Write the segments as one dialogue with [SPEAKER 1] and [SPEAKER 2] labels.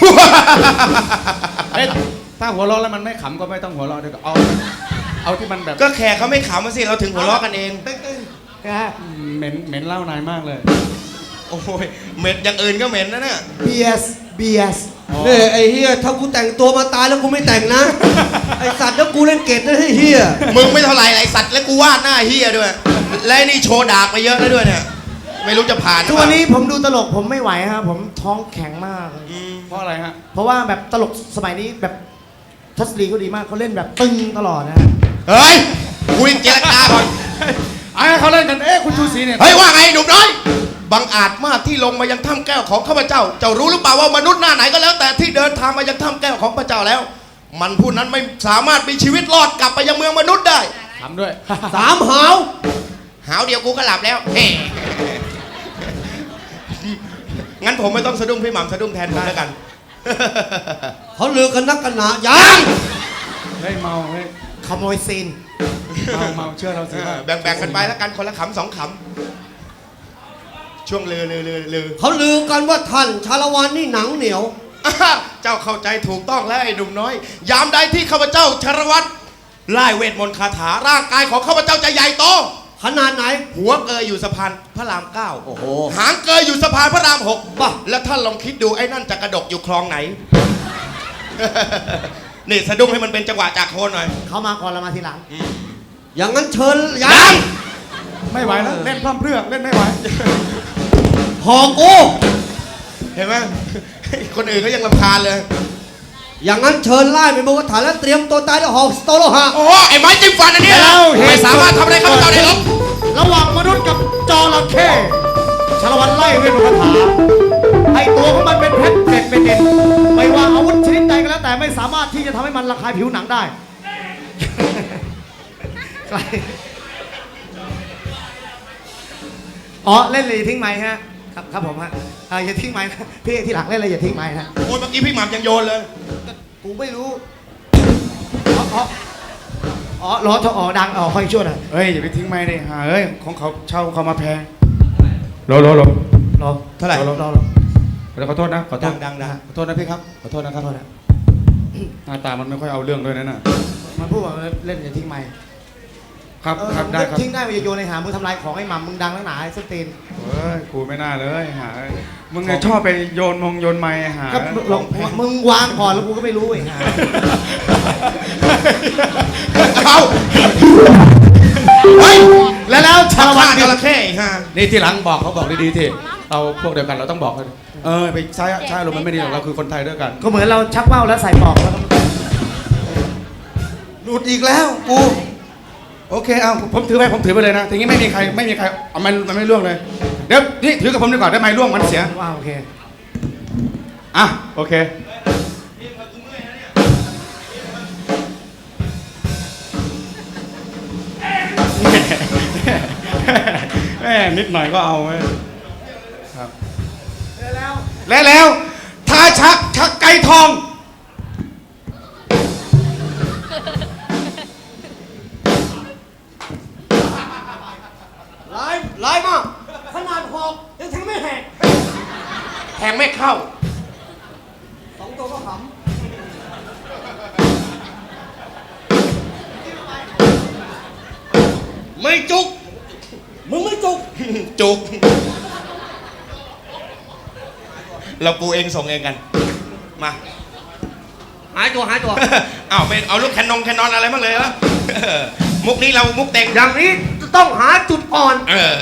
[SPEAKER 1] ถ้าหัวเราะแล้วมันไม่ขำก็ไม่ต้องหัวเราะด้วยก็เอาที่มันแบบ
[SPEAKER 2] ก็แขกเขาไม่ขำมาสิเราถึงหัวเราะกันเอง
[SPEAKER 1] เหม็นเหล้านายมากเลย
[SPEAKER 2] โอ้ยเหม็นอย่างอื่นก็เหม็นนะเนี่ย
[SPEAKER 3] เบียสเนี่ยไอ้เฮียถ้ากูแต่งตัวมาตายแล้วกูไม่แต่งนะ ไอ้สัตว์แล้วกูเล่นเกตนะเฮีย
[SPEAKER 2] มึงไม่เท่าไหร่ไอ้สัตว์แล้วกูวาดหน้าเฮียด้วยและนี่โชว์ดากไปเยอะแล้วด้วยเนี่ยไม่รู้จะผ่าน
[SPEAKER 4] ทุกวันนี้ผมดูตลกผมไม่ไหวครับผมท้องแข็งมาก
[SPEAKER 1] เพราะอะไรฮะ
[SPEAKER 4] เพราะว่าแบบตลกสมัยนี้แบบทัศนีเขาดีมากเขาเล่นแบบตึงตลอดนะ
[SPEAKER 2] เฮ้ยคุยเจรจาก่อน
[SPEAKER 1] เขาเล่นกันคุณชูศรีเนี่ย
[SPEAKER 2] เฮ้ยว่าไงหนุ่มน้อยบังอาจมากที่ลงมายังถ้ำแก้วของข้าพเจ้าเจ้ารู้หรือเปล่าว่ามนุษย์หน้าไหนก็แล้วแต่ที่เดินทางมายังถ้ำแก้วของพระเจ้าแล้วมันผู้นั้นไม่สามารถมีชีวิตรอดกลับไปยังเมืองมนุษย์ได้
[SPEAKER 1] ทำด้วย
[SPEAKER 3] 3
[SPEAKER 2] หาวเดียวกูก็หลับแล้วเฮ้งั้นผมไม่ต้องสะดุ้งพี่หม่ำสะดุ้งแทนผมแล้วกัน
[SPEAKER 3] เขาลือกันนักกันหนายัง
[SPEAKER 1] เฮ้ยเมาเฮ้ย
[SPEAKER 4] ขโมยซีน
[SPEAKER 1] เมาเชื่อเราสิ
[SPEAKER 2] แบ่งกันไปแล้วกันคนละขำ2 ขำช่วงลือ
[SPEAKER 3] เขาลือกันว่าท่านชาละวันนี่หนังเหนียว
[SPEAKER 2] เจ้าเข้าใจถูกต้องแล้วไอ้หนุ่มน้อยยามใดที่ข้าพเจ้าชรวัตรไล่เวทมนต์คาถาร่างกายของข้าพเจ้าจะใหญ่โต
[SPEAKER 3] ขนาดไหน
[SPEAKER 2] หัวเกยอยู่สะพานพระราม9
[SPEAKER 3] โอ้โห
[SPEAKER 2] หางเกยอยู่สะพานพระราม6ป่ะแล้วท่านลองคิดดูไอ้นั่นจะกระดกอยู่คลองไหน นี่สะดุ้งให้มันเป็นจังหวะจากโคนหน่อย
[SPEAKER 4] เขามาก่อนเรามาทีหลัง
[SPEAKER 3] อย่างนั้นเชิญ
[SPEAKER 2] ยัง
[SPEAKER 1] ไม่ไหวแล้วเล่นพร่ำเพรื่อเล่นไม่ไหว
[SPEAKER 3] หอกโอ้
[SPEAKER 2] เห็นไหมคนอื่นก็ยังรำคาญเลย
[SPEAKER 3] อย่างนั้นเชิญไล่ไปบนกระถางแล้วเตรียมตัวตายด้วยหอกสโตโลหะ
[SPEAKER 2] โอ้ไอ้ไม้จิ้มฟันอันนี้ไม่สามารถทำอะไรข้าพเจ้าได้หรอก
[SPEAKER 4] ระหว่างมนุษย์กับจระเข้ชาละวันไล่เวทมนต์คาถาไอตัวของมันเป็นเพชรเป็นเด่นไม่ว่าอาวุธชนิดใดก็แล้วแต่ไม่สามารถที่จะทำให้มันระคายผิวหนังได้อ๋อเล่นเลยทิ้งไม้ฮะครับผมฮะอย่าทิ้งไม้นะพี่ที่หลังเล่นเลยอย่าทิ้งไม้นะ
[SPEAKER 2] โอ้ยเมื่อกี้พี่หม่ำยังโยนเลย
[SPEAKER 4] กูไม่รู้ล้อทอดังค่อยช่วยหน่อย
[SPEAKER 1] เฮ้ยอย่าไปทิ้งไม้เลยเฮ้ยของเขาเช่าเขามาแพงรอ
[SPEAKER 2] เท่าไหร่
[SPEAKER 1] ขอโทษนะขอโทษ
[SPEAKER 2] ดัง
[SPEAKER 1] ขอโทษนะพี่ครับขอโทษนะครับหน้าตามันไม่ค่อยเอาเรื่องด้วยนะน่ะ
[SPEAKER 4] มันพูดว่าเล่นอย่าทิ้งไม้
[SPEAKER 1] ครับได้ครับ
[SPEAKER 4] ทิ้งได้อย่าโยนในหามึงทำลายของไอ้หม่ำมึงดังแล้วหนาไอ้สตีน
[SPEAKER 1] เฮ้ยกูไม่น่าเลยมึงไงชอบไปโยนไม้
[SPEAKER 4] ก็มึงวางก่อนแล้วกูก็ไม่รู้ไอ้ห่า
[SPEAKER 2] เอา
[SPEAKER 4] แล้วชาละวัน
[SPEAKER 2] จระเข้
[SPEAKER 1] นี่ที่หลังบอกเขาบอกดีๆที่เราพวกเดียวกันเราต้องบอกไปใช้ลมมันไม่ดีหรอกเราคือคนไทยด้วยกัน
[SPEAKER 4] ก็เหมือนเราชักเป้าแล้วใส่ปอกแล้ว
[SPEAKER 3] หลุดอีกแล้วกู
[SPEAKER 1] โอเคเอาผมถือไปเลยนะทีนี้ไม่มีใครมันไม่ล่วงเลยเดี๋ยวนี่ถือกับผมดีกว่าได้ไหมล่วงมันเสีย
[SPEAKER 4] โอเค
[SPEAKER 1] โอเคแม่นิดหน่อยก็เอาไว้ครับแล้วถ้าชักไก่ทอง
[SPEAKER 3] ร้ายมากขนาดหอกยังแทงไม่แหก
[SPEAKER 2] แทงไม่เข้า
[SPEAKER 3] 2 ตัวก็ขำไม่จุกมึงไม่จุก
[SPEAKER 2] จุกเราปูเองส่งเองกันมา
[SPEAKER 3] หายตัว
[SPEAKER 2] เป็นเอาลูกแคนนอนอะไรบ้างเลยละมุกนี้เรามุกเต็ง
[SPEAKER 3] อย่างนี้จะต้องหาจุดอ่อน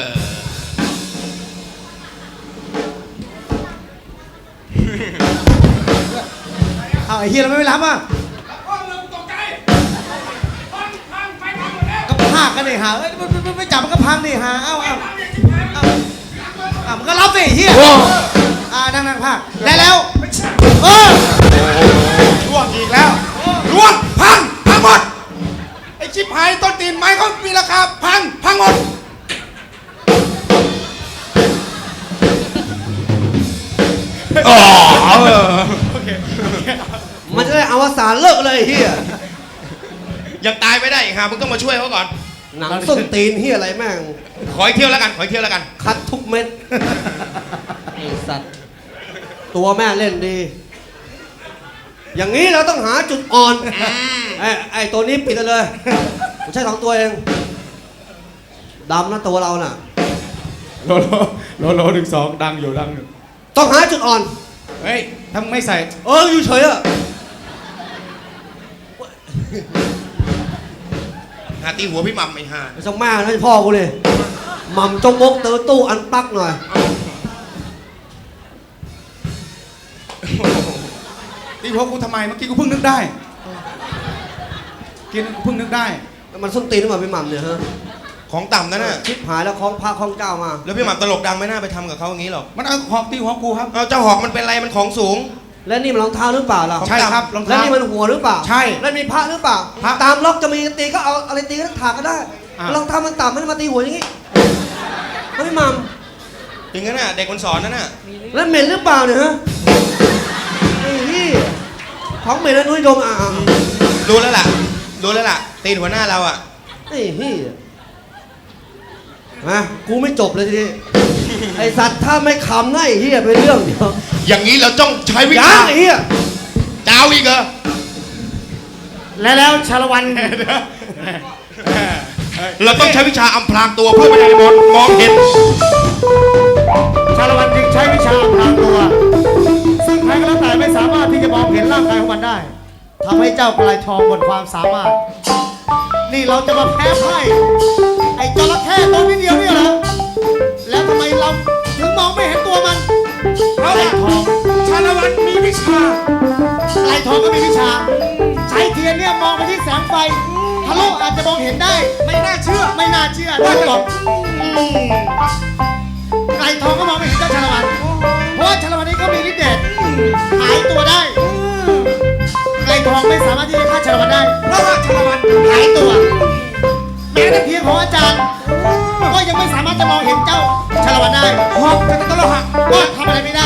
[SPEAKER 4] ไอ้เฮียเราไม่รับอ่ะก็พากกันเลยหาไม่จับมันก็พังดิหามันก็รับสิเฮียนั่งพากแล้ว
[SPEAKER 1] ล่วงอีกแล้วล่วงพังหมดไอ้ชิบหายต้นตีนไม้เขามีราคาพังหมด
[SPEAKER 3] มันจะได้อวสานเลิกเลยเฮีย
[SPEAKER 2] ยังตายไม่ได้อีกมึงต้องมาช่วยเขาก่อน
[SPEAKER 3] หนังส้นตีนเฮียอะไรแม่ง
[SPEAKER 2] ขออีกเที่ยวแล้วกัน
[SPEAKER 3] คัดทุกเม็ดไอ้สัตว์ตัวแม่เล่นดีอย่างนี้เราต้องหาจุดอ่อนไอ้ตัวนี้ปิดกันเลยผมใช้2ตัวเองดำนะตัวเราน่ะ
[SPEAKER 1] โล12ดังอยู่ดังอยู่
[SPEAKER 3] ต้องหาจุดอ่อน
[SPEAKER 1] เฮ้ยถ้าไม่ใส่
[SPEAKER 3] อยู่เฉยอะ
[SPEAKER 2] หาตีหัวพี่หม่ำไอ้ห่า
[SPEAKER 3] ไม่ต้องแม่นะพ่อกูเลยหม่ำจงมกเตอตู้อันปักหน่อย
[SPEAKER 1] ตีหัวกูทำไมเมื่อกี้กูเพิ่งนึกได้กินกูเพิ่งนึกได้
[SPEAKER 3] มันส้นตีนหรือเปล่าพี่หม่ำเนี่ยฮะ
[SPEAKER 2] ของต่ำนั่นน่ะ
[SPEAKER 3] ชิบหายแล้วคล้องพระคล้องเจ้ามา
[SPEAKER 2] แล้วพี่หม่ำตลกดังไม่น่าไปทำกับเขาอย่างนี้หรอก
[SPEAKER 1] มันเอาหอกตีหัวกูครับ
[SPEAKER 2] เอาเจ้าหอกมันเป็นอะไรมันของสูง
[SPEAKER 3] และนี่มันรองเท้าหรือเปล่าล่ะ
[SPEAKER 1] ใช่ครับรอง
[SPEAKER 3] และ
[SPEAKER 1] เท้า
[SPEAKER 3] นี่มันหัวหรือเปล่า
[SPEAKER 1] ใช่
[SPEAKER 3] และมีพระหรือเปล่า
[SPEAKER 1] พระ
[SPEAKER 3] ตามล็อกจะมีตีก็เอาอะไรตีก็ถากก็ได้
[SPEAKER 1] อ่ะ
[SPEAKER 3] รองเท้ามันต่ำไม่ได้มาตีหัวอย่างนี้แล้วพี่หม่
[SPEAKER 2] ถึงนั้นน่ะเด็กมันสอนนั่นน่ะ
[SPEAKER 3] ำแล้วเหม็นหรือเปล่าเนี่ยฮะไอ้นี่ของเหม็นแล้วนุ้ยดม
[SPEAKER 2] รู้แล้วล่ะตีนหัวหน้าเราอ่ะ
[SPEAKER 3] ไอ้นี่มากูไม่จบเลยทีนี้ไอ้สัตว์ถ้าไม่ขำนะไอ้เหี้ยเป็นเรื่องเดียว
[SPEAKER 2] อย่างนี้เราต้องใช้วิ
[SPEAKER 3] ยั
[SPEAKER 2] ชาง
[SPEAKER 3] ไอ้เหี้ย
[SPEAKER 2] จะเอาอีกเหรอ
[SPEAKER 4] แล้วชาละวัน
[SPEAKER 2] เราต้องใช้วิชาอำพรางตัวเพื่อไม่ให้มองเห็น
[SPEAKER 4] ชาละวันจึงใช้วิชาอำพรางตัว ซึ่งใครก็แล้วแต่ไม่สามารถที่จะมองเห็นร่างกายของมันได้ทำให้เจ้ากลายทองหมดความสามารถ นี่เราจะมาแพ้ไพ่ไอ้จระเข้ตัวนิดเดียวเนี่ยเหรอแล้วทำไมเราถึงมองไม่เห็นตัวมันไอ้ทอง
[SPEAKER 1] ชาละวันมีวิชา
[SPEAKER 4] ไอ้ทองก็มีวิชา ใช้เทียนเนี่ยมองไปที่แสงไฟทะลุอาจจะมองเห็นได้
[SPEAKER 1] ไม่น่าเชื่อ
[SPEAKER 4] ไม่น่าเชื่อได้หรอกไก่ทองก็มองไม่เห็นเจ้าชาละวัน เพราะว่าชาละวันนี้ก็มีฤทธิ์เดชหายตัวได้ ไก่ทองไม่สามารถที่จะฆ่าชาละวันได้
[SPEAKER 1] เพราะว่าชาละวัน
[SPEAKER 4] หายตัว แม้แต่เพียงของอาจารย์ ก็ยังไม่สามารถจะมองเห็นเจ้าชาละวันได้
[SPEAKER 1] หอกจะตะโลหะ
[SPEAKER 4] ก็ทำอะไรไม่ได้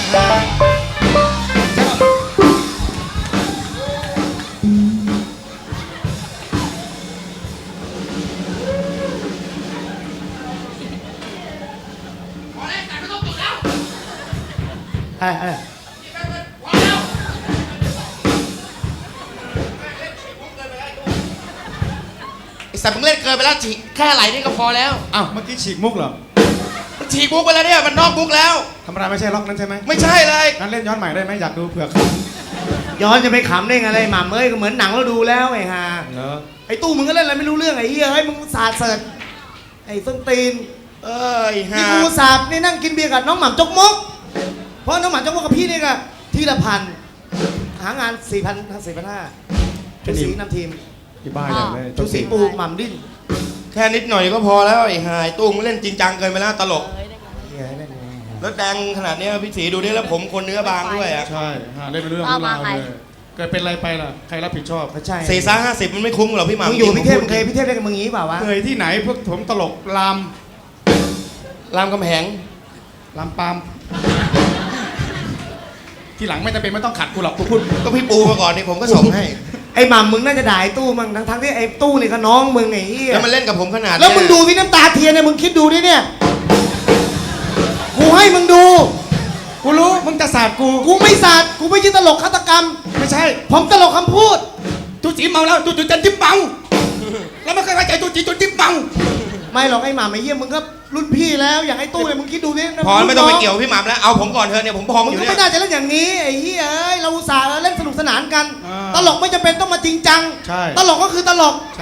[SPEAKER 2] ไอ้สัตว์มึงเล่นเกินไปแล้วแค่ไหลนี่ก็พอแล้ว
[SPEAKER 1] อ้าวเมื่อกี้ฉีกมุกเหรอ
[SPEAKER 2] มันฉีกมุกไปแล้วเนี่ยมันนอกมุกแล้ว
[SPEAKER 1] ธรรมดาไม่ใช่ล็อกนั้นใช่ไหม
[SPEAKER 2] ไม่ใช่เลย
[SPEAKER 1] งั้นเล่นย้อนใหม่ได้ไหมอยากดูเผื่อ
[SPEAKER 4] ย้อนจะไปขำได้ไงอะไรหม่ำเอ้ยก็เหมือนหนังเราดูแล้วไอ้ห่า
[SPEAKER 1] เหรอ
[SPEAKER 4] ไอ้ตู้มึงก็เล่นอะไรไม่รู้เรื่องไอ้เหี้ยไอ้มึงสาดเสิร์ชไอ้ส้นตีน
[SPEAKER 2] เอ้ย
[SPEAKER 4] นี่
[SPEAKER 2] ฮะ
[SPEAKER 4] กูสาบนี่นั่งกินเบียร์กับน้องหม่ำจกมก เพราะน้องหม่ำจกมกกับพี่นี่ก็ทีละพันหางาน 4,500ชุดสีนำทีม
[SPEAKER 1] ที่บ้านอย่างเลย
[SPEAKER 4] ชุดสีปูหม่ำดิ้น
[SPEAKER 2] แค่นิดหน่อยก็พอแล้วไอ้หายตู้มึงเล่นจริงจังเกินไปแล้วตลก
[SPEAKER 4] เหี้ยเล่นไง
[SPEAKER 2] แล้วแดงขนาดเนี้ยพี่สีดูดิแล้วผมคนเนื้อบางด้วยอ่ะ
[SPEAKER 1] ใช่หาเล่นเป็นเรื่อง
[SPEAKER 5] เอามา
[SPEAKER 1] เล่เลยเกิดเป็นอะไรไปล่ะใครรับผิดชอบ
[SPEAKER 4] ไม่ใช่
[SPEAKER 2] 450มันไม่คุ้มหรอกพี่หม่ำ
[SPEAKER 4] มึงอยู่พี่เทพ
[SPEAKER 2] จริ
[SPEAKER 4] มึงเคยพี่เทพเล่นกับมึงงี้เปล่าวะ
[SPEAKER 1] เคยที่ไหนพวกผมตลกลาม
[SPEAKER 2] รามกำแหง
[SPEAKER 1] ลามปามทีหลังไม่จำเป็นไม่ต้องขัดกูหรอกกูพูด
[SPEAKER 2] ก็พี่ปูมาก่อนนี่ผมก็ส่งให้
[SPEAKER 4] ไอ้หม่ำมึงน่าจะด่าไอ้ตู้มั้งทั้งที่ไอ้ตู้นี่ก็น้องมึงไอ้เหี้ย
[SPEAKER 2] แล้วมันเล่นกับผมขนาดเนี้ย
[SPEAKER 4] แล้วมึงดูที่น้ำตาเทียนเนี่ยมึงคิดดูดิเนี่ยกูให้มึงดู
[SPEAKER 1] กูรู้มึงจะสาดกู
[SPEAKER 4] กูไม่สาดกูไม่ใช่ตลกฆาตกรรม
[SPEAKER 1] ไม่ใช่
[SPEAKER 4] ผมตลกคำพูด
[SPEAKER 1] จูจีเมาแล้วจูจีจนจิ้มเมาแล้วไม่เคยไว้ใจจูจีจนจิ้มเมา
[SPEAKER 4] ไม่หรอกไอ้หม่ำไอ้เหี้ยมึงก็รุ่นพี่แล้วอย่างไอ้ตู้เนี่ยมึงคิดดูดิ
[SPEAKER 2] พอไม่ต้องไปเกี่ยวกับพี่หม่ำแล้วเอาผมก่อนเถอะเนี่ยผมพอง
[SPEAKER 4] มึ
[SPEAKER 2] อง ยู่
[SPEAKER 4] ก็
[SPEAKER 2] เนี่
[SPEAKER 4] ไม่
[SPEAKER 2] ย
[SPEAKER 4] น่าจะเล่นอย่างนี้ไอ้เหี้ยเอ้ยเราอุตส่าห์เล่นสนุกสนานกัน
[SPEAKER 1] อ่า
[SPEAKER 4] ตลกไม่จำเป็นต้องมาจริงจัง
[SPEAKER 1] ใช่
[SPEAKER 4] ตลกก็คือตลก
[SPEAKER 1] ใช่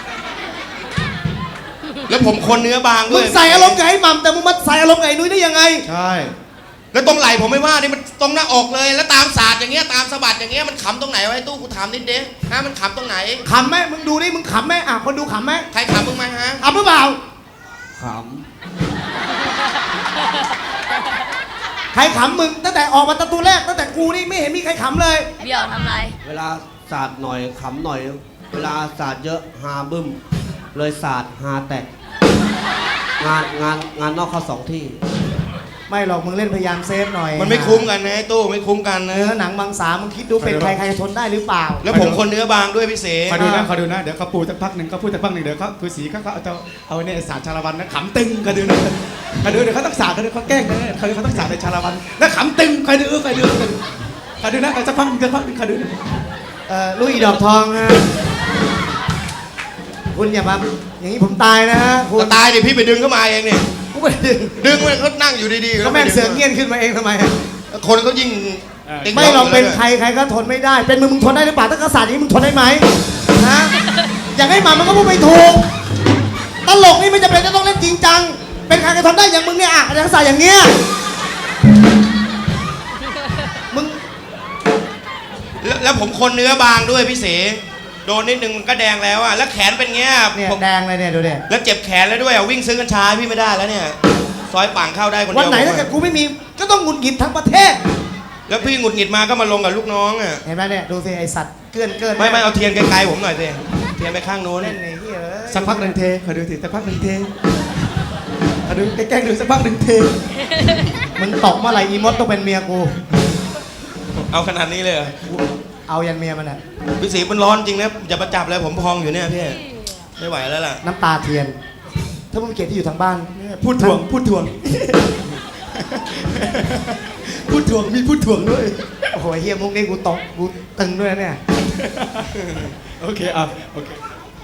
[SPEAKER 2] แล้วผมคนเนื้อบางด้
[SPEAKER 4] มึ
[SPEAKER 2] วย
[SPEAKER 4] งใส่อารมณ์กับไอ้หม่ำแต่มึงมาใส่อารมณ์กับไอ้นุ้ยได้ยังไง
[SPEAKER 1] ใช่
[SPEAKER 2] แล้วตรงไหล่ผมไม่ว่านี่มันตรงหน้าอกเลย แล้วตามศาสตร์อย่างเงี้ยตามสะบัดอย่างเงี้ยมันขำตรงไหนวะไอ้ตู้กูถามนิดเดียวฮะมันขำตรงไหน
[SPEAKER 4] ขำไหมมึงดูดิมึงขำไหมอ่ะคนดูขำไหม
[SPEAKER 2] ใครขำมึงไหมฮะ
[SPEAKER 4] ขำหรือเปล่า
[SPEAKER 3] ข
[SPEAKER 4] ใครขำมึงตั้งแต่ออกมาประตูแรกตั้งแต่กูนี่ไม่เห็นมีใครขำเลย
[SPEAKER 5] เบี้ยวทำไร
[SPEAKER 3] ำเวลาสาดหน่อยขำหน่อย เวลาสาดเยอะฮาบึ้ม เลยสาดฮาแตกงานนอกเข้า2 ที่
[SPEAKER 4] ไม่หรอกมึงเล่นพยายามเซฟหน่อย
[SPEAKER 2] มันไม่คุ้มกันนะไอ้ตู้ไม่คุ้มกันนะ
[SPEAKER 4] เนื้อหนังบางสามึงคิดดูเป็นใครใครจะทนได้หรือเปล่า
[SPEAKER 2] แล้วผมคนเนื้อบางด้วยพี่เส
[SPEAKER 1] คอยดูนะคอยดูนะเดี๋ยวเขาปูสักพักหนึ่งเขาพูดสักพักหนึ่งเดี๋ยวเขาคือสีเขาเอาเนี่ยสาดชาละวันนะขำตึงคอยดูนะคอยดูเดี๋ยวเขาต้องสาดเขาแกล้งนะเขาต้องสาดในชาละวันแล้วขำตึงคอยดูคอยดูขอดูนะสักพักขอดูนะ
[SPEAKER 4] ลูกอีดอกทองนะคุณอย่ามาอย่างนี้ผมตายนะฮะคุณ
[SPEAKER 2] ก็ตายดิพี่ไปดึงเข้ามาเองเนี่ย
[SPEAKER 4] กูไม่ได้ดึง
[SPEAKER 2] ดึงมันเขานั่งอยู่ดีๆ
[SPEAKER 4] ก็แม่งเสือกเงี้ยนขึ้นมาเองทำไมอะ
[SPEAKER 2] คนเขายิ่งติ๊ก
[SPEAKER 4] ไม่ลองเป็นใครใครก็ทนไม่ได้ เป็นมึงทนได้หรือเปล่าถ้ากษัตริย์อย่างนี้มึงทนได้ไหมฮะอย่างให้มันก็พูดไม่ถูกตลกนี่ไม่จำเป็นจะต้องเล่นจริงจังเป็นใครก็ทนได้อย่างมึงเนี่ยอะอย่างกษัตริย์อย่างเงี้ยมึง
[SPEAKER 2] แล้วผมคนเนื้อบางด้วยพี่เสโดนนิดนึงมันก็แดงแล้วอะแล้วแขนเป็นเงี้ย
[SPEAKER 4] เนี่ย
[SPEAKER 2] ผม
[SPEAKER 4] แดงเลยเนี่ยดูเนี่ย
[SPEAKER 2] แล้วเจ็บแขนแล้วด้วยอะวิ่งซื้อกัญชาให้พี่ไม่ได้แล้วเนี่ยซอยป่างเข้าได้คนเดียว
[SPEAKER 4] วันไหนถ้าเกิดกูไม่มีก็ต้องหงุดหงิดทั้งประเทศ
[SPEAKER 2] แล้วพี่หงุดหงิดมาก็มาลงกับลูกน้องอะ
[SPEAKER 4] เห็นไหมเนี่ยดูสิไอสัตว์เกิน
[SPEAKER 2] ไม่เอาเทียนไกลๆผมหน่อยสิเทียนไปข้างโน้น
[SPEAKER 4] เล่นไอ้เหี้ยเอ้ย
[SPEAKER 1] สักพักหนึ่งเทขอดูสิสักพักหนึ่งเทขอดูแกล้งดูสักพักหนึ่งเท
[SPEAKER 4] มึงตกเมื่อไหร่อีมดต้องเป็นเมียกู
[SPEAKER 2] เอาขนาดนี้เลยเหรอ
[SPEAKER 4] เอายันเมียมันอ่ะ
[SPEAKER 2] พี่สีมันร้อนจริงนะอย่ามาจับเลยผมพองอยู่เนี่ยพี่ไม่ไหวแล้วล่ะ
[SPEAKER 4] น้ำตาเทียน ถ้ามึงเกลียดที่อยู่ทางบ้านเนี่ย
[SPEAKER 1] พูดถ่วงพูดถ่วงมีพูดถ่วงด้วย
[SPEAKER 4] โอ้โหเฮียมุกนี่กูตกกูตึงด้วยนะเนี่ย
[SPEAKER 1] โอเคอ่ะโอเค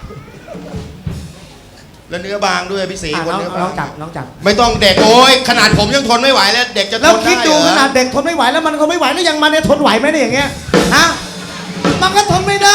[SPEAKER 2] แล้วเนื้อบางด้วยพี่สี
[SPEAKER 4] อ่ะ
[SPEAKER 2] คน
[SPEAKER 4] น้อง
[SPEAKER 2] เนื้อบา
[SPEAKER 4] น้อง งจับน้องจับ
[SPEAKER 2] ไม่ต้องเด็กโอ้ยขนาดผมยังทนไม่ไหวแล้วเด็กจะทน
[SPEAKER 4] แล้วคิดดู
[SPEAKER 2] ไเหรอ
[SPEAKER 4] ขนาดเด็กทนไม่ไหวแล้วมันก็ไม่ไหวแล้วยังมันเนี่ยทนไหวไหมเนี่ยอย่างเงี้ยฮะมันก็ทนไม่ได้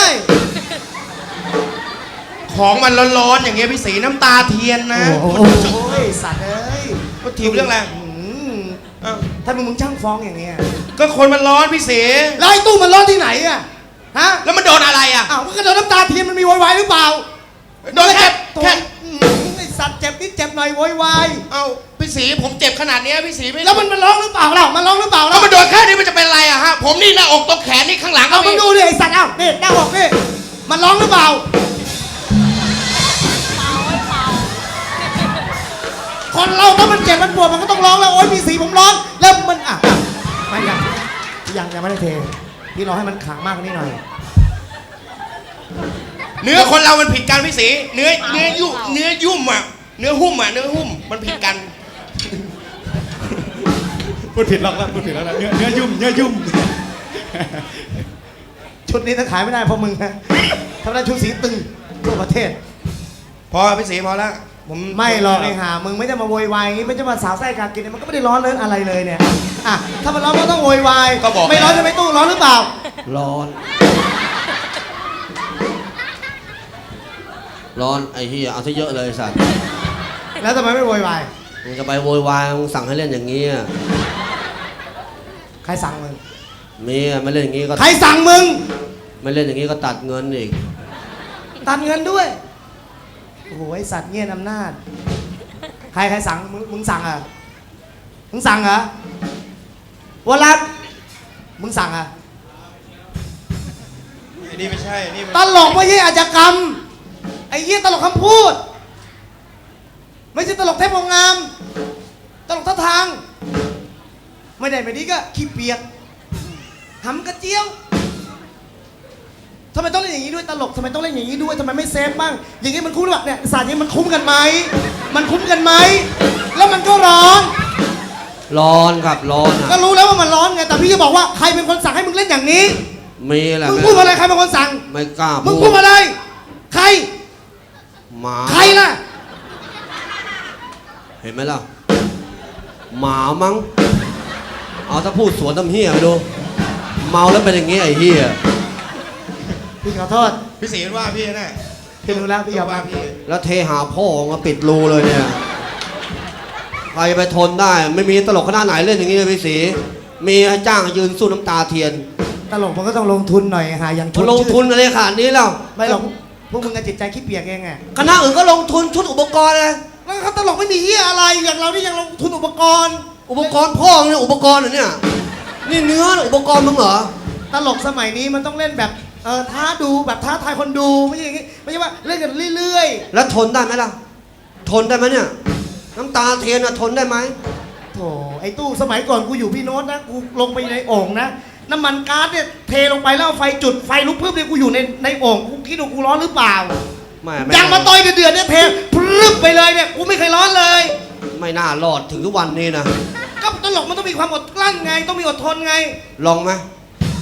[SPEAKER 2] ของมันร้อนๆอย่างเงี้ยพี่สีน้ำตาเทียนนะ
[SPEAKER 4] โอ้โหสัตว์เอ้ย
[SPEAKER 2] ก็ทีมเรื่องอะไร
[SPEAKER 4] อืม
[SPEAKER 2] อ้าว
[SPEAKER 4] ถ้ามึงช่างฟ้องอย่างเงี้ย
[SPEAKER 2] ก็คนมันร้อนพี่สี
[SPEAKER 4] แล้วไอ้ตู้มันร้อนที่ไหนอ่ะฮะ
[SPEAKER 2] แล้วมันโดนอะไรอ่ะ
[SPEAKER 4] อ้าวมันก็โดนน้ำตาเทียนมันมีโวยวายหรือเปล่า
[SPEAKER 2] โดนแค่
[SPEAKER 4] แค่ไอ้สัตว์เจ็บนิดเจ็บหน่อยโวยวาย
[SPEAKER 2] เอ้าพี่สีผมเจ็บขนาดเนี้ยพี่สีไม่
[SPEAKER 4] แล้วมันร้องหรือเปล่าเล่ามันร้องหรือเปล่า
[SPEAKER 2] แล้ว
[SPEAKER 4] เล่า
[SPEAKER 2] มันโดนแค่นี้มันจะเป็นอะไรอะฮะผมนี่หน้าอกตรงแขนนี่ข้างหลังก็
[SPEAKER 4] เอามึ
[SPEAKER 2] มี
[SPEAKER 4] งดูดิไอ้สัตว์เอ้านี่หน้าอกนี่มันร้องหรือเปล่าคนเราถ้ามันเจ็บมันปวดมันก็ต้องร้องแล้วโอ๊ยมีสีผมร้องแล้วมันไม่ยังไม่ได้เทพี่รอให้มันขังมากกว่านี้หน่อย
[SPEAKER 2] เนื้อคนเรามันผิดกันพี่สีเนื้อยุ่มอะเนื้อหุ้มมันผิดกัน
[SPEAKER 1] พูดผิดแล้วพูดผิดแล้วนะเนื้อยุ่ม
[SPEAKER 4] ชุดนี้ถ้าขายไม่ได้เพราะมึงนะทำได้ชุดสีตึงทั่วประเทศ
[SPEAKER 2] พอพี่สีพอแล้วผม
[SPEAKER 4] ไม่หรอกไอ้ห่ามึงไม่ได้มาโวยวายอย่างงี้ไม่ใช่มาสาวไส้กากินเนี่ยมันก็ไม่ได้ร้อนเลินอะไรเลยเนี่ยอ่ะถ้ามันร้อนก็ต้องโวยวายไม่ร้อนจะไม่ตู้ร้อนหรือเปล่า
[SPEAKER 3] ร้อนไอ้เหี้ยเอาซะเยอะเลยสัตว์
[SPEAKER 4] แล้วทำไมไม่โวยวาย
[SPEAKER 3] มึงจะไปโวยวายมึงสั่งให้เล่นอย่างงี้อะ
[SPEAKER 4] ใครสั่งมึง
[SPEAKER 3] มีอะไม่เล่นอย่างงี้ก็
[SPEAKER 4] ใครสั่งมึง
[SPEAKER 3] ไม่เล่นอย่างงี้ก็ตัดเงินอีก
[SPEAKER 4] ตัดเงินด้วยโอ้โหไอสัตว์เงี้ยอำนาจใครสั่งมึงสั่งเหรอมึงสั่งเหรอวรัตน์มึงสั่งเหรอ
[SPEAKER 2] ไอ้นี่ไม่ใช่นี่มัน
[SPEAKER 4] ตลกไม่ใช่อาชญากรรมไอ้เหี้ยตลกคำพูด ไม่ใช่ตลกเทพโพงาม ตลกท่าทาง ไม่ได้ไม่ดีก็ขี้เปียกหำกระเจียวทำไมต้องเล่นอย่างนี้ด้วยตลกทำไมต้องเล่นอย่างนี้ด้วยทำไมไม่เซฟบ้างอย่างนี้มันคุ้มหรือเปล่าเนี่ยศาสตร์นี้มันคุ้มกันไหมมันคุ้มกันไหมแล้วมันก็ร้อน
[SPEAKER 3] ร้อนครับร้อน
[SPEAKER 4] ก็
[SPEAKER 3] อ่ะ
[SPEAKER 4] รู้แล้วว่ามันร้อนไงแต่พี่จะบอกว่าใครเป็นคนสั่งให้มึงเล่นอย่างนี้
[SPEAKER 3] มีแหละ
[SPEAKER 4] มึงพูดอะไรใครเป็นคนสั่ง
[SPEAKER 3] ไม่กล้า
[SPEAKER 4] มึง
[SPEAKER 3] พู
[SPEAKER 4] พูด
[SPEAKER 3] ด
[SPEAKER 4] อะไรใคร
[SPEAKER 3] หมา
[SPEAKER 4] ใครล่ะ
[SPEAKER 3] เห็นไหมล่ะหมามั้งเอาถ้าพูดสวนตำเฮียไปดูเมาแล้วเป็นอย่างงี้ไอ้เฮีย
[SPEAKER 4] พี่ขอโทษ
[SPEAKER 2] พี่สีมันว่าพี่แน่
[SPEAKER 4] พี่รู้แล้วพี่ยอม
[SPEAKER 2] ว่า
[SPEAKER 4] รับ
[SPEAKER 2] พี่
[SPEAKER 3] แล้วเทหาพ่อมาปิดรูเลยเนี่ยใครจะไปทนได้ไม่มีตลกคณะไหนเล่นอย่างงี้เลยพี่สีมีให้จ้างยืนสู้น้ำตาเทียน
[SPEAKER 4] ตลกมันก็ต้องลงทุนหน่อยหาอย่าง
[SPEAKER 3] ลงทุนอะไรขนาดนี้แล้ว
[SPEAKER 4] ไม่หรอกพวกมึงกับจิตใจขี้เปียกเองไง
[SPEAKER 3] คณะอื่นก็ลงทุนชุดอุปกรณ์เลย
[SPEAKER 4] แล้วเขาตลกไม่มีเหี้ยอะไรอย่างเรานี่ยังลงทุนอุปกรณ์
[SPEAKER 3] อุปกรณ์พ่อเนี่ยอุปกรณ์เหรอเนี่ยนี่เนื้ออุปกรณ์มึงเหรอ
[SPEAKER 4] ตลกสมัยนี้มันต้องเล่นแบบท้าดูแบบท้าทายคนดูไม่ใช่อย่างงี้ไม่ใช่ว่าเล่นกันเรื่อย
[SPEAKER 3] แล้วทนได้ไหมล่ะ ทนได้ไหมเนี่ย น้ำตาเทียนอะทนได้ไหม
[SPEAKER 4] ๆโถไอ้ตู้สมัยก่อนกูอยู่พี่โน้ตนะกูลงไปในโอ่งนะน้ำมันก๊าซเนี่ยเทลงไปแล้วเอาไฟจุดไฟลุกพรึบเนี่ยกูอยู่ในโอ่งกูคิดดูกูร้อนหรือเปล่า
[SPEAKER 3] ไม่
[SPEAKER 4] ยางมาต่อยเดือดๆเนี่ยเทพรึบไปเลยเนี่ยกูไม่เคยร้อนเลย
[SPEAKER 3] ไม่น่ารอดถึงทุกวันนี้นะ
[SPEAKER 4] ก็ตลกมันต้องมีความอดกลั้นไงต้องมีอดทนไง
[SPEAKER 3] ลองไหม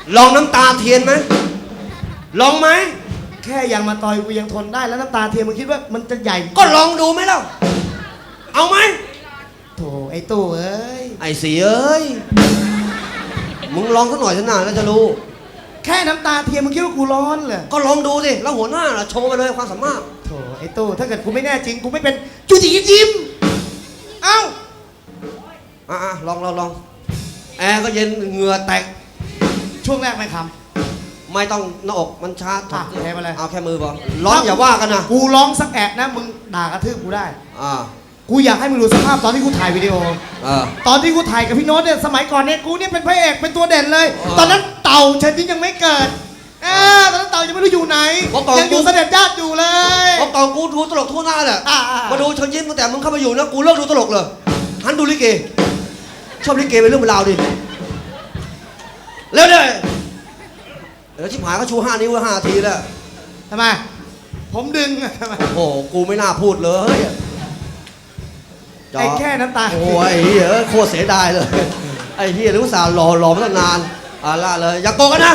[SPEAKER 3] ลองน้ำตาเทียนไหมลองไหม
[SPEAKER 4] แค่ยังมาต่อยกูยังทนได้แล้วน้ำตาเทียมมึงคิดว่ามันจะใหญ่
[SPEAKER 3] ก็ลองดูไหมเล่าเอาไหม
[SPEAKER 4] โถไอ้ตู้เอ้ย
[SPEAKER 3] ไอ้สีเอ้ยมึงลองสักหน่อยสินะแล้วจะรู้
[SPEAKER 4] แค่น้ำตาเทียมมึงคิดว่ากูร้อนเหรอ
[SPEAKER 3] ก็ลองดูสิแล้วหัวหน้าล่ะโชว์ไปเลยความสามารถ
[SPEAKER 4] โถไอ้ตู้ถ้าเกิดกูไม่แน่จริงกูไม่เป็นจูจิยิ้มเอ้า
[SPEAKER 3] ลองแอร์ก็เย็นเหงื่อแตก
[SPEAKER 4] ช่วงแรกไม่ค
[SPEAKER 3] ไม่ต้องหน้าอกมันชาร์จ
[SPEAKER 4] อ่ะแค่มาเลย
[SPEAKER 3] เอาแค่มือพอร้อนอย่าว่ากันนะ
[SPEAKER 4] ำกูร้องสักแอะนะมึงด่ากระทืบกูได้
[SPEAKER 3] อ่า
[SPEAKER 4] กูอยากให้มึงดูสภาพตอนที่กูถ่ายวิดีโอ
[SPEAKER 3] า
[SPEAKER 4] ตอนที่กูถ่ายกับพี่โน้ตเนี่ยสมัยก่อนเนี่ยกูเนี่ยเป็นพระเอกเป็นตัวเด่นเลย ตอนนั้นเต่าเชิญยิ้มยังไม่เกิดตอนนั้นเต่ายังไม่รู้อยู่ไหนยังอยู่เสด็จญาติอยู่เลย
[SPEAKER 3] เพราะก่อนกูดูตลกทั่วหน้าแหละ
[SPEAKER 4] อ่า
[SPEAKER 3] มาดูเชิญยิ้มตั้งแต่มึงเข้ามาอยู่นะกูเลิกดูตลกเลยหันดูลิเกชอบลิเกเป็นเรื่องเป็นราวดิเร็วเลยเดี๋ยวชิบหายก็ชู5 นิ้ว5 ทีแล้ว
[SPEAKER 4] ทำไมผมดึงอะทำไม
[SPEAKER 3] โอ้โหกูไม่น่าพูดเลยจอ
[SPEAKER 4] ไอ้แค่น้ำตา
[SPEAKER 3] โอ้ยเหี้ยโคตรเสียดายเลยไอ้เฮียรู้สาวรอมาตั้งนานละเลยอย่าโกงกันนะ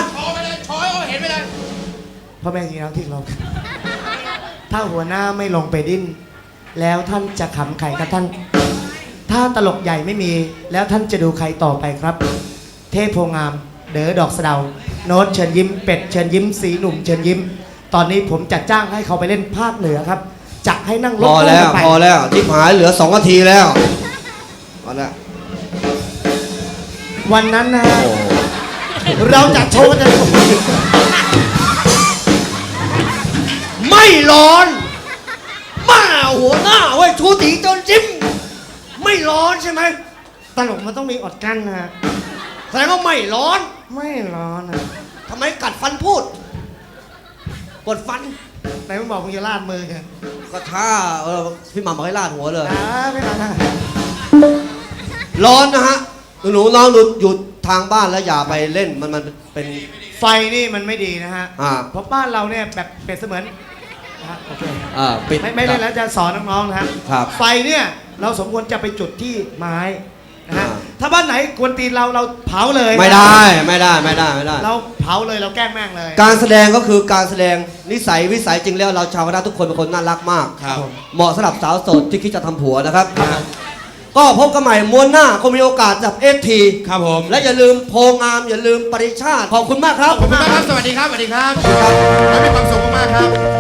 [SPEAKER 4] พ่อแม่ที่รักที่เราถ้าหัวหน้าไม่ลงไปดิ้นแล้วท่านจะขำใครครับท่าน ถ้าตลกใหญ่ไม่มีแล้วท่านจะดูใครต่อไปครับ เทพโพงาม เด๋อดอกสะเดา โน้ตเชิญยิ้มเป็ดเชิญยิ้มสีหนุ่มเชิญยิ้ม ตอนนี้ผมจัดจ้างให้เขาไปเล่นภาคเหนือครับจะให้นั่งร
[SPEAKER 3] พ
[SPEAKER 4] ถ
[SPEAKER 3] อแล้ว
[SPEAKER 4] ตู้กันไป
[SPEAKER 3] พอแล้วชิบหายเหลือ2 นาทีแล้วพอแล้ว
[SPEAKER 4] วันนั้นนะฮะ
[SPEAKER 3] โอ้
[SPEAKER 4] เราจะโชว์กันจะ
[SPEAKER 3] ไม่ร้อนมาหัวหน้าเว้ยชูตีจนจิ้มไม่ร้อนใช่ไหม
[SPEAKER 4] ตลกมันต้องมีอดกั้นนะฮะ
[SPEAKER 3] แสดงว่าไม่ร้อน
[SPEAKER 4] ไม่ร้อนนะ
[SPEAKER 3] ทำไมกัดฟันพูดกดฟัน
[SPEAKER 4] ไหนมึงบอกมึงจะลาดมือกัน
[SPEAKER 3] ก็ถ้าพี่หม่ำบอกให้ลาดหัวเลย
[SPEAKER 4] ไม่ลาดนะ
[SPEAKER 3] ร้อนนะฮะหนูน้องอยู่ทางบ้านแล้วอย่าไปเล่นมันเป็น
[SPEAKER 4] ไฟนี่มันไม่ดีนะฮะ เพราะบ้านเราเนี่ยแบบเปรียบเสมือนนะฮะโอเค
[SPEAKER 3] ปิด
[SPEAKER 4] ไม่เล่นแล้วจะสอนน้องๆนะฮะ
[SPEAKER 3] ครับ
[SPEAKER 4] ไฟเนี่ยเราสมควรจะไปจุดที่ไม้นะฮะ
[SPEAKER 3] อ่า
[SPEAKER 4] ถ้าบ้านไหนกวนตีนเราเผาเลย
[SPEAKER 3] ไม่ได้ไม่ได้
[SPEAKER 4] เราเผาเลยเราแกล้งแม่งเลย
[SPEAKER 3] การแสดงก็คือการแสดงนิสัยวิสัยจริงแล้วเราชาวคณะทุกคนเป็นคนน่ารักมาก
[SPEAKER 1] ครับ
[SPEAKER 3] เหมาะสำหรับสาวโสดที่คิดจะทำผัวนะครับ ก็พบกันใหม่ม้วนหน้าก็มีโอกาสจับเอที
[SPEAKER 1] ครับผม
[SPEAKER 3] และอย่าลืมโพงามอย่าลืมปริชาติขอบคุณมากครับ
[SPEAKER 1] ขอบคุณมากครับ สวัสดีครับ สวัสดีครับขอให้มีความสุขมากๆครับ